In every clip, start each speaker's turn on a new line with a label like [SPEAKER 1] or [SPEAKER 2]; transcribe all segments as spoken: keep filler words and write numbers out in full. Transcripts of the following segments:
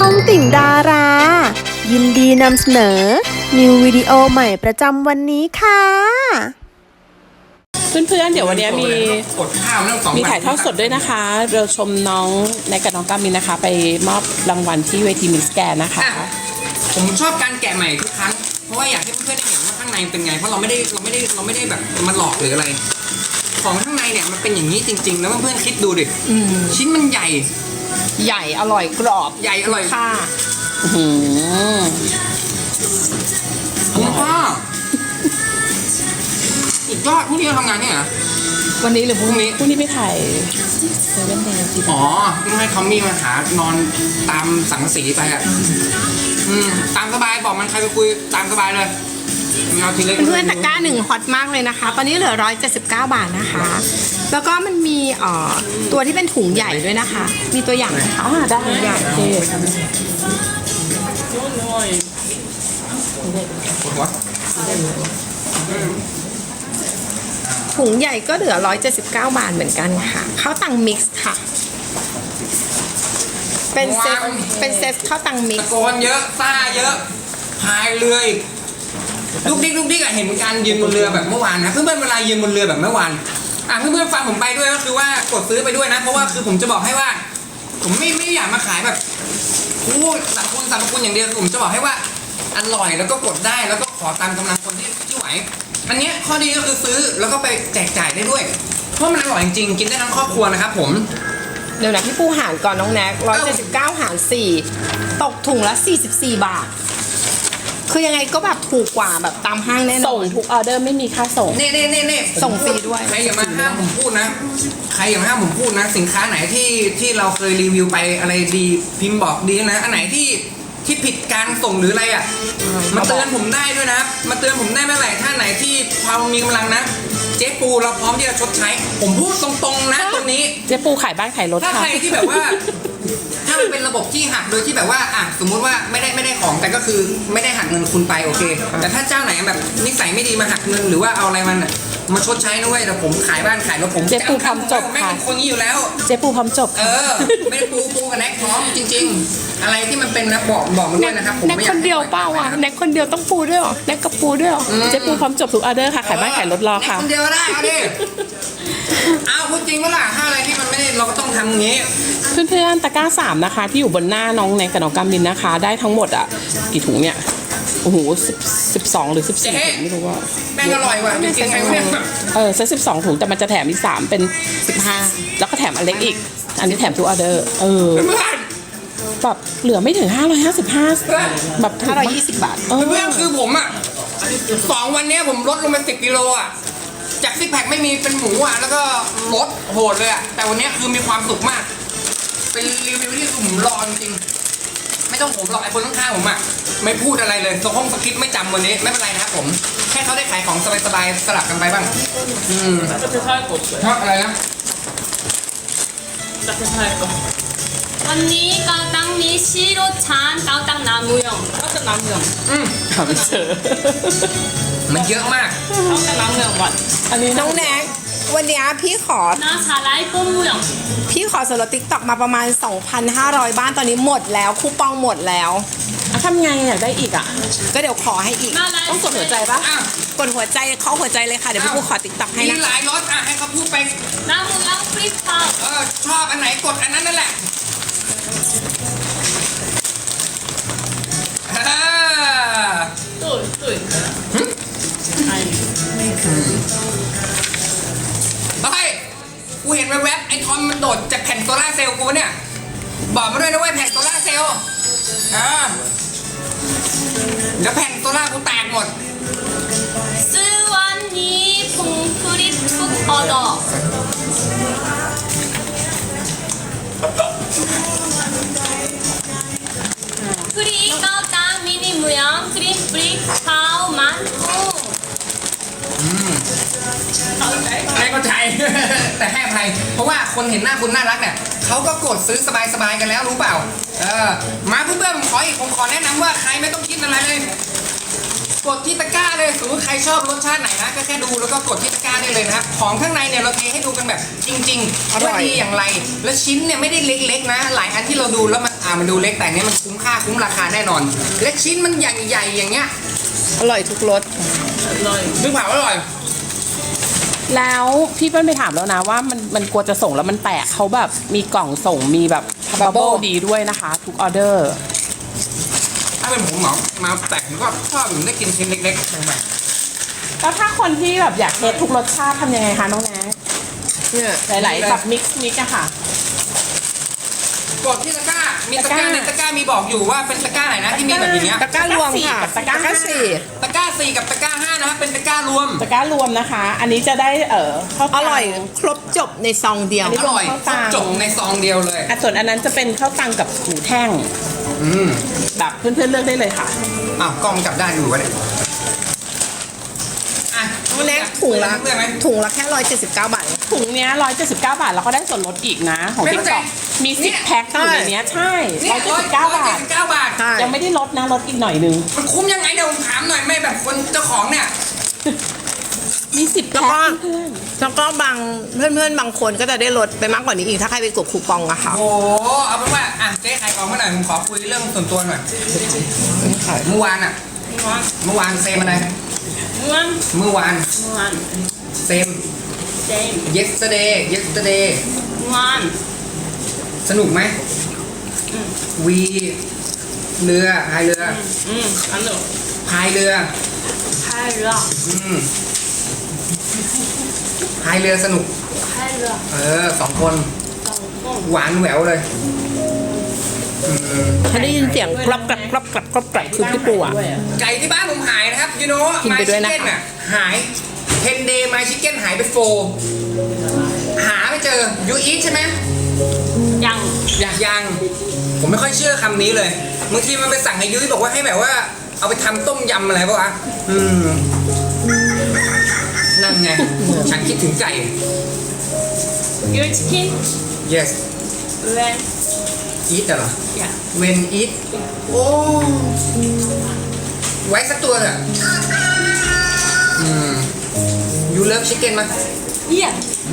[SPEAKER 1] องติ่งดารา ยินดีนำเสนอ นิววิดีโอใหม่ประจำวันนี้ค่ะ
[SPEAKER 2] เพื่อนๆ เดี๋ยววันนี้มี
[SPEAKER 3] กดข้าวเรื่องสอง
[SPEAKER 2] มีถ่ายทอดสดด้วยนะคะ เราชมน้องในกับน้องกามินนะคะ ไปมอบรางวัลที่เวทีมิสแกรนด์นะคะ
[SPEAKER 3] ผมชอบการแกะใหม่ทุกครั้งเพราะว่าอยากให้เพื่อนๆได้เห็นว่าข้างในเป็นไงเพราะเราไม่ได้เราไม่ได้เราไม่ได้แบบมาหลอกหรืออะไร ของข้างในเนี่ยมันเป็นอย่างนี้จริงๆแล้วเพื่อนๆคิดดูดิชิ้นมันใหญ่
[SPEAKER 2] ใหญ่อร่อยกรอบ
[SPEAKER 3] ใหญ่อร่อย
[SPEAKER 2] ค่ะอื้อหือ
[SPEAKER 3] ผมชอบสุดยอดพรุ่งนี้เราทำงานเนี่ยเหรอ
[SPEAKER 2] วันนี้หรือพรุ่ง
[SPEAKER 3] พรุ่งนี้
[SPEAKER 2] นี้พรุ่งนี้ไปถ่ายเซเว่นเดย์ที่
[SPEAKER 3] อ๋อต้องให้ทอมมี่มาหานอนตามสังสีไปอ่ะอืมตามสบายบอกมันใครไปคุยตามสบายเลยเอาทีเล็ก
[SPEAKER 4] เพื่อนๆตะกร้าหนึ่งฮอตมากเลยนะคะ ตอนนี้เหลือร้อยเจ็ดสิบเก้าบาทนะคะ แล้วก็มันมีเอ่อตัวที่เป็นถุงใหญ่ด้วยนะคะ มีตัวอย่างไหมคะ
[SPEAKER 2] อ๋อได้
[SPEAKER 4] ถุงใหญ่
[SPEAKER 2] โอเค
[SPEAKER 3] ปวดหัว
[SPEAKER 4] ถุงใหญ่ก็เหลือร้อยเจ็ดสิบเก้าบาทเหมือนกันค่ะข้าวตังมิกซ์ค่ะ เป็นเซตเป็นเซตข้าวตังมิ
[SPEAKER 3] ตะ
[SPEAKER 4] กซ์
[SPEAKER 3] โกนเยอะซ่าเยอะพายเรืออีกลูกดิ๊กลูกดิ๊กอะเห็นการยืนบนเรือแบบเมื่อวานนะเพื่อนๆเวลายืนบนเรือแบบเมื่อวานอ่ะเพื่อนๆฟังผมไปด้วยก็คือว่ากดซื้อไปด้วยนะเพราะว่าคือผมจะบอกให้ว่า ผมไม่ไม่อยากมาขายแบบพูดสรรพคุณสรรพคุณอย่างเดียวผมจะบอกให้ว่าอร่อยแล้วก็กดได้แล้วก็ขอตามกำลังคนที่ที่ไหวอันเนี้ยข้อดีก็คือซื้อแล้วก็ไปแจกจ่ายได้ด้วยเพราะมันอร่อยจริงๆกินได้ทั้งครอบครัวนะครับผม
[SPEAKER 4] เดี๋ยวนะพี่ปูหารก่อนน้องแน็กร้อยเจ็ดสิบเก้าหารสี่ตกถุงละสี่สิบสี่บาท คือยังไงก็แบบถูกกว่าแบบตามห้างแน่น
[SPEAKER 2] ส่
[SPEAKER 4] อง น
[SPEAKER 2] ทุกออเดอร์ไม่มีค่าส่ง
[SPEAKER 3] เน่เน่เน่เน่
[SPEAKER 4] ส่งฟรีด้วย
[SPEAKER 3] ใครอย่ามาห้ามผมพูดนะ ใครอย่ามาห้ามผมพูดนะ สินค้าไหนที่ที่เราเคยรีวิวไปอะไรดีพิมพ์บอกดีนะอันไหนที่ที่ผิดการส่งหรืออะไรอ่ะมาเตือนผมได้ด้วยนะครับมาเตือนผมได้เมื่อไหร่ถ้าไหนที่พอมีกำลังนะ เจ๊ปูเราพร้อมที่จะชดใช้ ผมพูดตรงๆนะตรงนี้
[SPEAKER 2] เจ๊ปูขายบ้านขายรถ
[SPEAKER 3] ถ้า
[SPEAKER 2] ค่ะ
[SPEAKER 3] ใครที่แบบว่า ถ้ามันเป็นระบบที่หักโดยที่แบบว่าอ่ะสมมุติว่าไม่ได้ไม่ได้ของแต่ก็คือไม่ได้หักเงินคุณไปโอเค แต่ถ้าเจ้าไหนแบบนิสัยไม่ดีมาหักเงินหรือว่าเอาอะไรมันอะมาชดใช้นะเว้ยแต่ผมขายบ้านขายรถผม
[SPEAKER 2] เจ๊ปูทำจบ
[SPEAKER 3] ไม่
[SPEAKER 2] ค่ะ
[SPEAKER 3] เป็นคนนี้อยู่แล้ว
[SPEAKER 2] เจ๊ปูพร้อมจบ
[SPEAKER 3] เออ ไม่ได้ปูปูกับแน็กพร้อมจริง ๆ อะไรที่มันเป็นนะบอกบอกมาด้วยนะครับผม
[SPEAKER 2] แน็ก
[SPEAKER 3] ไม่อ
[SPEAKER 2] ค
[SPEAKER 3] ยาก
[SPEAKER 2] นเดียวเปล่าอ่ะแน็กคนเดียวต้องปูด้วยเหรอแน็กกับปูด้วยเหรอเจ๊ปูพร้อมจบทุกออเดอร์ค่ะขายบ้านขายรถรอ
[SPEAKER 3] แน็ก
[SPEAKER 2] ค่ะ
[SPEAKER 3] คนเดียวได้เอาดิเอาพูดจริงว่าล่ะถ้าอะไรที่มันไม่ได้เราก็ต้องทำอย่างนี้
[SPEAKER 2] เพื่อนๆตะกร้าสามนะคะ ที่อยู่บนหน้าน้องแนนกับน้องกามินนะคะ ได้ทั้งหมดอ่ะกี่ถุงเนี่ยโอ้โหสิบสิบสองหรือสิบสี่
[SPEAKER 3] เจ๊
[SPEAKER 2] ถุงไม่รู้ว่า
[SPEAKER 3] แม่งอร่อยว่ะจริงๆไอ้แม่งแบบ
[SPEAKER 2] เออเซตสิบสองถุงแต่มันจะแถมอีกสามเป็นสิบห้าแล้วก็แถมอันเล็กอีก อันนี้แถมทุกออเดอร์เออ
[SPEAKER 3] เพื่อน
[SPEAKER 2] แบบเหลือไม่ถึงห้าร้อยห้าสิบห้าแบบถูก
[SPEAKER 4] ห้าร้อย
[SPEAKER 2] มาก
[SPEAKER 4] ยี่สิบบาท
[SPEAKER 2] เออ
[SPEAKER 3] เพื่อนคือผมอ่ะสองวันเนี้ยผมลดลงไปสิบกิโลอ่ะจากซิกแพคไม่มีเป็นหมูอ่ะแล้วก็ลดโหดเลยอ่ะแต่วันเนี้ยคือมีความสุขมาก เป็นรีวิวที่ผมรอจริงๆไม่ต้องผมหรอกไอ้คนข้างๆผมอ่ะไม่พูดอะไรเลยสห้องสคริปต์ไม่จำวันนี้ไม่เป็นไรนะครับผมแค่เขาได้ขายของสบายๆสลับกันไปบ้างอืมชอบอะไรนะ
[SPEAKER 5] วันนี้เกาตังมีชิโรชานเกาตังนามูยองเกาตังนามูยอง
[SPEAKER 3] อืม
[SPEAKER 2] หาไม่เจอ
[SPEAKER 3] มันเยอะมาก
[SPEAKER 5] เกาตังนามูยองวัน
[SPEAKER 2] อันนี้
[SPEAKER 4] น้องแน็กวันเนี้ยพี่ขอ
[SPEAKER 5] นาชาไลโกมูยอง
[SPEAKER 4] พี่ขอส่วนลดติ๊กต็อกมาประมาณ สองพันห้าร้อย บ้านตอนนี้หมดแล้วคูปองหมดแล้ว
[SPEAKER 2] อ่ะทำไงอยากได้อีกอ่ะ
[SPEAKER 4] ก็เดี๋ยวขอให้อีก
[SPEAKER 5] มาไล
[SPEAKER 2] ต้องกดหัวใจปะ
[SPEAKER 3] อ้าว
[SPEAKER 4] กดหัวใจเขาหัวใจเลยค่ะ เดี๋ยวพี่ปูขอติ๊กต็อกให้
[SPEAKER 3] มี
[SPEAKER 4] นะ
[SPEAKER 3] หลายรสอ่ะให้เขาพูดไป
[SPEAKER 5] นามูยองฟรีสไตล์
[SPEAKER 3] เออชอบอันไหนกดอันนั้นนั่นแหละอ่า
[SPEAKER 5] ตุ้ยตุ้ย
[SPEAKER 3] เฮ้ยกูเห็นแวบๆไอ้ทอมมันโดดจากแผ่นโซล่าร์เซลล์กูเนี่ยบอกมาด้วยนะเว้ยแผ่นโซล่าร์เซลล์อ่าเดี๋ยวแผ่นโซล่าร์กูแตกหมด
[SPEAKER 5] ซื้อวันนี้พุงฟรีทุกออเดอร์ฟรีเกาตังมินิมูยองครีมฟรีข้าวมันกุ้งเข้าใจ
[SPEAKER 3] ไม่เข้าใจ แต่ให้อภัยเพราะว่าคนเห็นหน้าคุณน่ารักเนี่ยเขาก็กดซื้อสบายๆกันแล้วรู้เปล่าเออมาเพื่อนๆผมขออีกผมขอแนะนำว่าใครไม่ต้องคิดอะไรเลย กดที่ตะกร้าเลยสมมติใครชอบรสชาติไหนนะก็แค่ดูแล้วก็กดที่ตะกร้าได้เลยนะครับของข้างในเนี่ยเราเทให้ดูกันแบบจริงๆว่าดีอย่างไร แล้วชิ้นเนี่ยไม่ได้เล็กๆนะ หลายอันที่เราดูแล้วมันอ่ามันดูเล็กแต่อันนี้มันคุ้มค่าคุ้มราคาแน่นอนและชิ้นมันใหญ่ๆอย่างเงี้ย
[SPEAKER 4] อร่อยทุกรส
[SPEAKER 3] ซึ่งเผาอร่อย
[SPEAKER 2] แล้วพี่เปิ้ลไปถามแล้วนะว่ามันมันกลัวจะส่งแล้วมันแตกเขาแบบมีกล่องส่งมีแบบบับเบิลดีด้วยนะคะ ทุกออเดอร์
[SPEAKER 3] ถ้าเป็นผมเหมามาแตกผมก็ชอบผมได้กินชิ้นเล็กๆแบบ
[SPEAKER 2] แล้วถ้าคนที่แบบอยากเทสทุกรสชาติทำยังไงคะน้องแนน
[SPEAKER 4] เนี่ย
[SPEAKER 2] หลายๆแบบมิกซ์มิกอะค่ะ
[SPEAKER 3] กดที่ตะกร้า มีตะกร้า
[SPEAKER 2] ตะกร้า
[SPEAKER 3] ในตะกร้ามีบอกอยู่ว่าเป็นตะกร้าไหนนะที่มีแบบอย่างเงี้ย
[SPEAKER 4] ตะกร้ารวมค่ะ
[SPEAKER 2] ตะกร้าสี่
[SPEAKER 4] สี่
[SPEAKER 3] ตะกร้าสี่กับตะกร้าห้านะครับเป็นตะกร้ารวม
[SPEAKER 2] ตะกร้ารวมนะคะ อันนี้จะได้เออข้าว
[SPEAKER 4] อ
[SPEAKER 2] ตัง
[SPEAKER 4] ร่อยครบจบในซองเดียว
[SPEAKER 2] อันนี้
[SPEAKER 3] อร่อยครบจบในซองเดียวเลย
[SPEAKER 2] อ่ะส่วนอันนั้นจะเป็นข้าวตังกับหมูแท่ง
[SPEAKER 3] อืม
[SPEAKER 2] แบบเพื่อนๆเลือกได้เลยค่ะ
[SPEAKER 3] อ้าวกล้องจับได้อยู่วะเนี่ยอ่ะ
[SPEAKER 4] น้องแน็กถุงละ
[SPEAKER 3] เพื่อนไหม
[SPEAKER 4] ถุงละแค่ร้อยเจ็ดสิบเก้าบาท
[SPEAKER 2] ถุงเนี้ยร้อยเจ็ดสิบเก้าบาทแล้วก็ได้ส่วนลดอีกนะ ของ
[SPEAKER 3] ไม่
[SPEAKER 2] ติ๊
[SPEAKER 3] เข้าก ใจ
[SPEAKER 2] ต็อกมีสิบ
[SPEAKER 3] เนี่ย
[SPEAKER 2] แพ็คอยู่ในเนี้ยใช่
[SPEAKER 3] เนี่
[SPEAKER 2] ร้อย ยเจ็ดสิบเก้าบาท
[SPEAKER 3] เก้าบาท
[SPEAKER 4] ใช่
[SPEAKER 2] ยังไม่ได้ลดนะลดอีกหน่อยนึง
[SPEAKER 3] มันคุ้มยังไงเดี๋ยวผมถามหน่อยไม่แบบคนเจ้าของเนี่ย
[SPEAKER 2] มีสิบ
[SPEAKER 4] แล้ว
[SPEAKER 2] แพ็
[SPEAKER 4] ก็
[SPEAKER 2] คเพื่อน
[SPEAKER 4] แล้วก็บางเพื่อนๆบางคนก็จะได้ลดไปมากกว่านี้อีกถ้าใครไปกดคูปองอะค่ะ
[SPEAKER 3] โอ้โหเอาเป็นว่าอ่ะเจ๊ขายของมาหน่อยผมขอคุยเรื่องส่วนตัวหน่อยเมื่อวานอ่ะ เมื่อวานเซมอะไร
[SPEAKER 5] 무한
[SPEAKER 3] เมื่อวาน
[SPEAKER 5] 무한
[SPEAKER 3] เซม
[SPEAKER 5] same
[SPEAKER 3] yesterday yesterday
[SPEAKER 5] 무한
[SPEAKER 3] สนุกไหมวีเรือพายเรือ
[SPEAKER 5] 음 안녕
[SPEAKER 3] พายเรือ
[SPEAKER 5] 팔라
[SPEAKER 3] อืมพายเรือสนุก
[SPEAKER 5] 팔라
[SPEAKER 3] เออสองคน
[SPEAKER 5] 똥똥
[SPEAKER 3] หวานแหววเลยอืม
[SPEAKER 4] ถ้าได้ยินเสียงกรอบกรับกรอบกรับกรอบกรับคือพี่ปูอะ
[SPEAKER 3] ไก่ที่บ้านผมหายนะครับ you know
[SPEAKER 4] กินไปด้วยนะคะ
[SPEAKER 3] my chicken อ่ะหาย ten day my chicken หายไปโฟหาไม่เจอ you eat ใช่ไหม
[SPEAKER 5] 양
[SPEAKER 3] อยากยัง ผมไม่ค่อยเชื่อคำนี้เลยบางทีมันไปสั่งให้ยุ้ยบอกว่าให้แบบว่า เอาไปทำต้มยำอะไรปะวะอืมนั่นไง ฉันคิดถึงไก่
[SPEAKER 5] your chicken
[SPEAKER 3] yes
[SPEAKER 5] when
[SPEAKER 3] eat เหรอ
[SPEAKER 5] yeah
[SPEAKER 3] when eat โอ้ไว้สักตัวเถอะอืม you love chicken มั้ย
[SPEAKER 5] yeah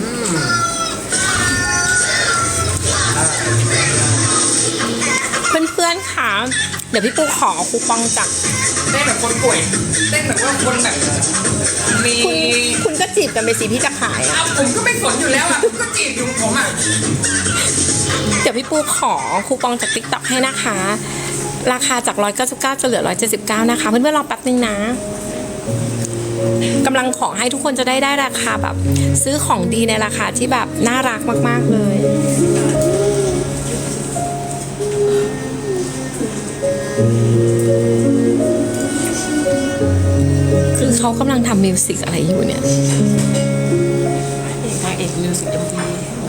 [SPEAKER 4] เพื่อนๆค่ะเดี๋ยวพี่ปูขอคูปองจาก
[SPEAKER 3] เต้นแบบคนป่วยเต้นแบบว่าคนแบบมี
[SPEAKER 4] คุณคุณก็จีบกันไปสิพี่จะขายอะ
[SPEAKER 3] อ้าวผมก็ไม่สนอยู่แล้วอ่ะผมก็จีบอยู่ของผมอ่ะ
[SPEAKER 4] เดี๋ยวพี่ปูขอคูปองจาก ติ๊กต็อก ให้นะคะ ราคาจากร้อยเก้าสิบเก้าจะเหลือร้อยเจ็ดสิบเก้านะคะเพื่อนๆรอแป๊บนึงนะกำลังขอให้ทุกคนจะได้ได้ราคาแบบ ซื้อของดีในราคาที่แบบน่ารักมากๆเลย คือเขากำลังทำมิวสิกอะไรอยู่เนี่ย
[SPEAKER 2] นางเอกมิวสิกเอ็มวี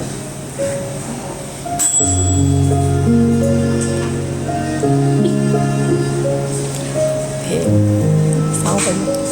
[SPEAKER 4] เพลงเศร้าไปหมด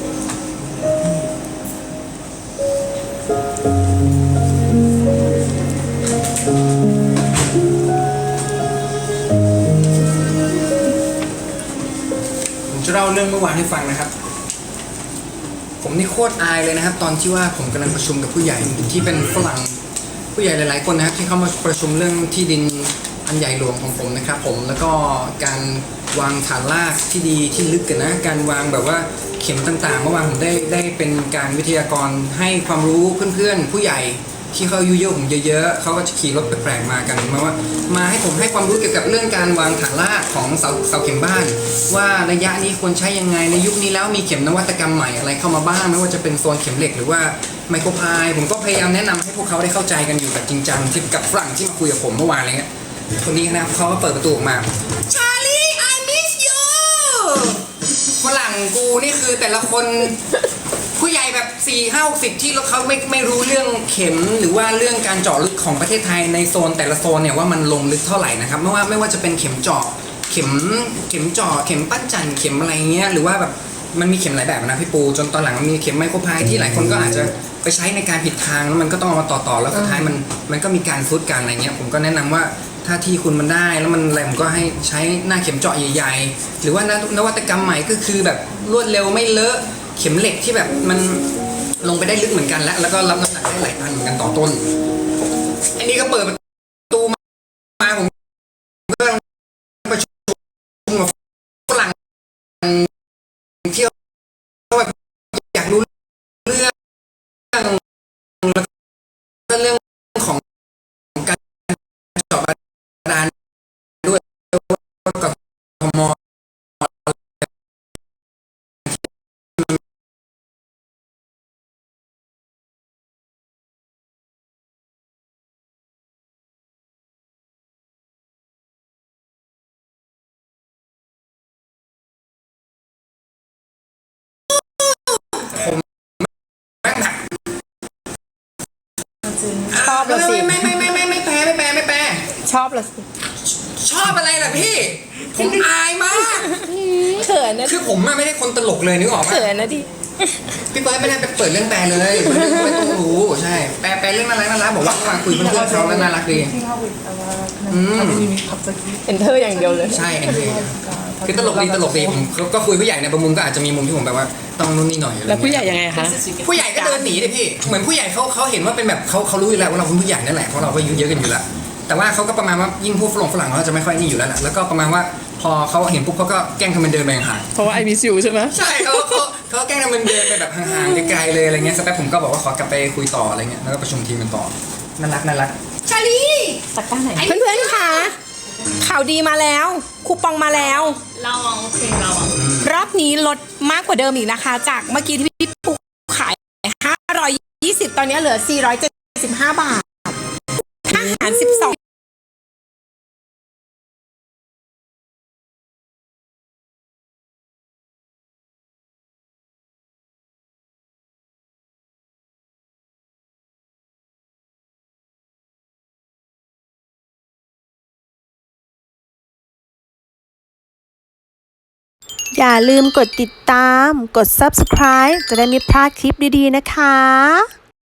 [SPEAKER 3] ผมจะเล่าเรื่องเมื่อวานให้ฟังนะครับ ผมนี่โคตรอายเลยนะครับ ตอนที่ว่าผมกำลังประชุมกับผู้ใหญ่ที่เป็นฝรั่งผู้ใหญ่หลาย ๆ คนนะครับที่เข้ามาประชุมเรื่องที่ดินอันใหญ่หลวงของผมนะครับผมแล้วก็การวางฐานรากที่ดีที่ลึกกันนะการวางแบบว่าเข็มต่างๆเมื่อวานผมได้ได้เป็นการวิทยากรให้ความรู้เพื่อนๆผู้ใหญ่ที่เขาอายุเยอะผมเยอะๆเขาก็จะขี่รถแปลกๆมากันมาว่ามาให้ผมให้ความรู้เกี่ยวกับเรื่องการวางฐานรากของเสาเสาเข็มบ้าน ว่าระยะนี้ควรใช้ยังไงในยุคนี้แล้วมีเข็มนวัตกรรมใหม่อะไรเข้ามาบ้างไม่ว่าจะเป็นโซนเข็มเหล็กหรือว่าไมโครพายผมก็พยายามแนะนำให้พวกเขาได้เข้าใจกันอยู่แบบจริงจังที่กับฝรั่งที่มาคุยกับผมเมื่อวานอะไรเงี้ยคนนี้นะครับเขาก็เปิดประตูออกมาชาลี I miss you ฝรั่งกูนี่คือแต่ละคนผู้ใหญ่แบบสี่ห้าหกสิบที่เขาไม่ไม่รู้เรื่องเข็มหรือว่าเรื่องการเจาะลึกของประเทศไทยในโซนแต่ละโซนเนี่ยว่ามันลงลึกเท่าไหร่นะครับไม่ว่าไม่ว่าจะเป็นเข็มเจาะเข็มเข็มเจาะเข็มปั้นจันเข็มอะไรเงี้ยหรือว่าแบบมันมีเข็มหลายแบบนะพี่ปูจนตอนหลังมีเข็มไมโครพายที่หลายคนก็อาจจะไปใช้ในการผิดทางแล้วมันก็ต้องเอามาต่อต่อแล้วสุดท้ายมันมันก็มีการฟุตกันอะไรเงี้ยผมก็แนะนำว่าถ้าที่คุณมันได้แล้วมันอะไรผมก็ให้ใช้หน้าเข็มเจาะใหญ่ๆหรือว่านวัตกรรมใหม่ก็คือแบบรวดเร็วไม่เลอะเข็มเหล็กที่แบบมันลงไปได้ลึกเหมือนกันแล้วแล้วก็รับน้ำหนักได้หลายตันเหมือนกันต่อต้นอันนี้ก็เปิดประตูมาผมก็ผมแม่งแบบ
[SPEAKER 4] ชอบละสิ
[SPEAKER 3] ไม่ไม่ไม่ไม่ไม่ไม่แปลไม่แปลไม่แปล
[SPEAKER 4] ชอบละสิ
[SPEAKER 3] ชอบอะไรล่ะพี่ ผมอายมาก
[SPEAKER 4] เขินนะ
[SPEAKER 3] คือผมอะไม่ได้คนตลกเลยนึกออกไหม
[SPEAKER 4] เขินนะดิ
[SPEAKER 3] พี่เฟิร์สไม่ได้ไปเปิดเรื่องแปลเลยไม่ต้องรู้ใช่แปลแปลเรื่องอะไรน่ารักบอกว่าเมื่อวานคุยเพื่อนๆเขาแล้วน่ารักดีอืม
[SPEAKER 4] เอนเตอร์อย่างเดียวเลย
[SPEAKER 3] ใช่เอ็นเคือตลกดีตลกดีผมก็คุยผู้ใหญ่ในบางมุมก็อาจจะมีมุมที่ผมแบบว่าต้องนู่นนี่หน่อยอะไร
[SPEAKER 2] แล้วผู้ให
[SPEAKER 3] เงี้ย
[SPEAKER 2] ญ่ยังไงคะ
[SPEAKER 3] ผู้ใหญ่ก็เดินหนีเลยพี่เหมือนผู้ใหญ่เขาเขาเห็นว่าเป็นแบบเขาเขารู้อยู่แล้วว่าเราเป็นผู้ใหญ่นั่นแหละเพราะเราก็อายุเยอะกันอยู่แล้วแต่ว่าเขาก็ประมาณว่ายิ่งพวกฝรั่งฝรั่งเขาจะไม่ค่อยนี่อยู่แล้วแหละแล้วก็ประมาณว่าพอเขาเห็นปุ๊บเขาก็แกล้งทำเป็นเดินไปห่าง
[SPEAKER 2] เพราะว่าไอมิสยูใช่ไหม
[SPEAKER 3] ใช่เขาเขาเขาแกล้งทำเป็นเดินไปแบบห่างๆไกลๆเลยอะไรเงี้ยสักแป๊บผมก็บอกว่าขอกลับไปคุยต่ออะไรเงี้ยแล้วก็ประชุมทีมกันต่อน่ารักน่ารักชาลี
[SPEAKER 4] เพื่อนๆค่ะข่าวดีมาแล้ว คูปองมาแล้ว
[SPEAKER 5] 라왕 오케이 라왕
[SPEAKER 4] รอบนี้ลดมากกว่าเดิมอีกนะคะ จากเมื่อกี้ที่พี่ปูขาย ห้าร้อยยี่สิบ ตอนนี้เหลือ สี่ร้อยเจ็ดสิบห้า บาทอาหาร สิบสอง
[SPEAKER 1] อย่าลืมกดติดตาม กด ซับสไครบ์ จะได้ไม่พลาดคลิปดีๆนะคะ